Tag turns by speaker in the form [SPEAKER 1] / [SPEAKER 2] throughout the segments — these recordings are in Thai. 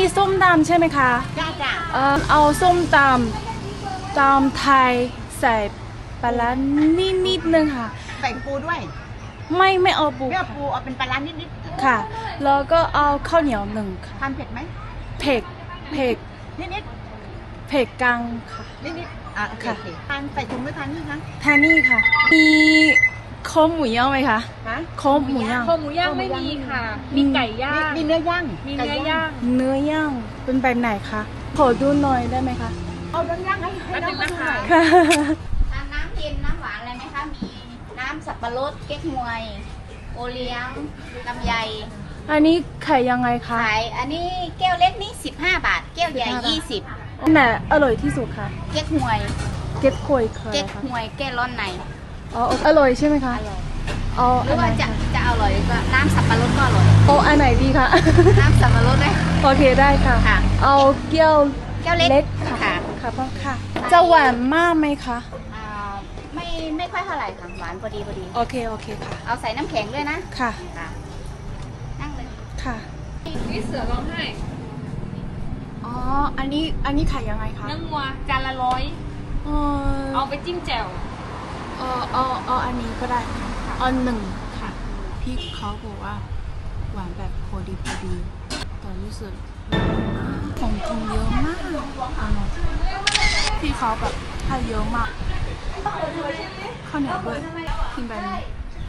[SPEAKER 1] ส้มตำใช่ไหมคะ
[SPEAKER 2] จ้าจ้า
[SPEAKER 1] เอาส้มตำไทยใส่ปลาร้านิดนึงค่ะ
[SPEAKER 2] ใส่ปูด้วย
[SPEAKER 1] ไม่เอาปู
[SPEAKER 2] เลือกปูเอาเป็นปลาร้านิด
[SPEAKER 1] ค่ะ แล้วก็เอาข้าวเหนียวหนึ่งค่ะ
[SPEAKER 2] ๆทานเผ็ดไหม
[SPEAKER 1] เผ็ดเผ็ด
[SPEAKER 2] นิด
[SPEAKER 1] เผ็ดกลางค่ะ
[SPEAKER 2] ๆนิดๆโอเคโอเคทานใส่ถุงหรือทานนี่คะ
[SPEAKER 1] ทานนี่ค่ะ มีคอหมูย่างไหมคะ
[SPEAKER 2] ฮะ
[SPEAKER 1] คอหมูย่าง
[SPEAKER 3] คอหมูย่างไม่มีค่ะ มีไก่ย่าง
[SPEAKER 2] มีเนื้อย่าง
[SPEAKER 3] มีเนื้อย่าง
[SPEAKER 1] เนื้อย่างเป็นแบบไหนคะขอดูหน่อยได้ไหมคะ
[SPEAKER 2] เอาเนื้อย่างให้น้องมาดูหน่อย
[SPEAKER 1] ค่ะ
[SPEAKER 4] น้ำเย็นน้ำหวานอะไรไหมคะ มีน้ำสับปะรดเก๊กฮวย โอเลี้ยงลำไย
[SPEAKER 1] อันนี้ขายยังไงคะ
[SPEAKER 4] ขายอันนี้แก้วเล็กนี่15 บาท แก้วใหญ่
[SPEAKER 1] อันไหนอร่อยที่สุดคะ
[SPEAKER 4] 20 เก๊กฮวย
[SPEAKER 1] เก็ตควยเคย
[SPEAKER 4] เก๊ก
[SPEAKER 1] ค่ะ
[SPEAKER 4] ฮวยแก้ร้อนใน
[SPEAKER 1] อ๋ออร่อยใช่ไหมคะ
[SPEAKER 4] อร่อย
[SPEAKER 1] เอา
[SPEAKER 4] หรื
[SPEAKER 1] อั
[SPEAKER 4] อน
[SPEAKER 1] ไหน
[SPEAKER 4] ว่าจะอร่อยก็น้ำสับปะรดก็อร่อย
[SPEAKER 1] เอาอันไหนดีคะ
[SPEAKER 4] น้ำสับปะรดด้วย
[SPEAKER 1] โอเคได้ค่ะ
[SPEAKER 4] ค่ะ
[SPEAKER 1] เอาแก้ว
[SPEAKER 4] แก้วเล็ก
[SPEAKER 1] เล็กค่ะ
[SPEAKER 4] ค่ะ
[SPEAKER 1] ค่ะพ่อค่ะ จะหวานมากไหมคะ
[SPEAKER 4] อ่าไม่ค่อยเท่าไหร่ค่ะ หวานพอดีพอดี
[SPEAKER 1] โอเคค่ะ
[SPEAKER 4] เอาใส่น้ำแข็งด้วยนะ
[SPEAKER 1] ค่ะ
[SPEAKER 4] ค่ะ นั่งเลย
[SPEAKER 1] ค่ะ
[SPEAKER 3] นี่เสือร้องไห้
[SPEAKER 1] อ๋อ อันนี้ขายยังไงคะ
[SPEAKER 3] เนื้องัวจานละ100
[SPEAKER 1] เอ
[SPEAKER 3] เอาไปจิ้มแจ่ว
[SPEAKER 1] เอาอันนี้ก็ได้ค่ะเอาหนึ่ง
[SPEAKER 3] ค่ะ
[SPEAKER 1] พี่เขาบอกว่าหวานแบบพอดีแต่รู้สึกของกินเยอะมากพี่เขาแบบให้เยอะมากข้าวเหนียวด้วยกินแบบนี้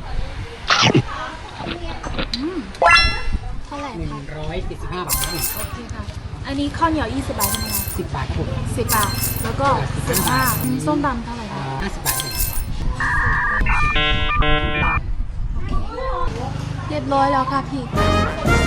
[SPEAKER 1] เท่าไหร่คะ
[SPEAKER 5] 175 บาทครับผม
[SPEAKER 1] โอเคค่ะ อันนี้ข้าวเหนียว20 บาทใช่ไหมคะ
[SPEAKER 5] 10 บาทครับผม
[SPEAKER 1] 10 บาท แล้วก็15ส้มตำเท่าไหร่คะ
[SPEAKER 5] 50 บาทครับผม
[SPEAKER 1] เรียบร้อยแล้วค่ะพี่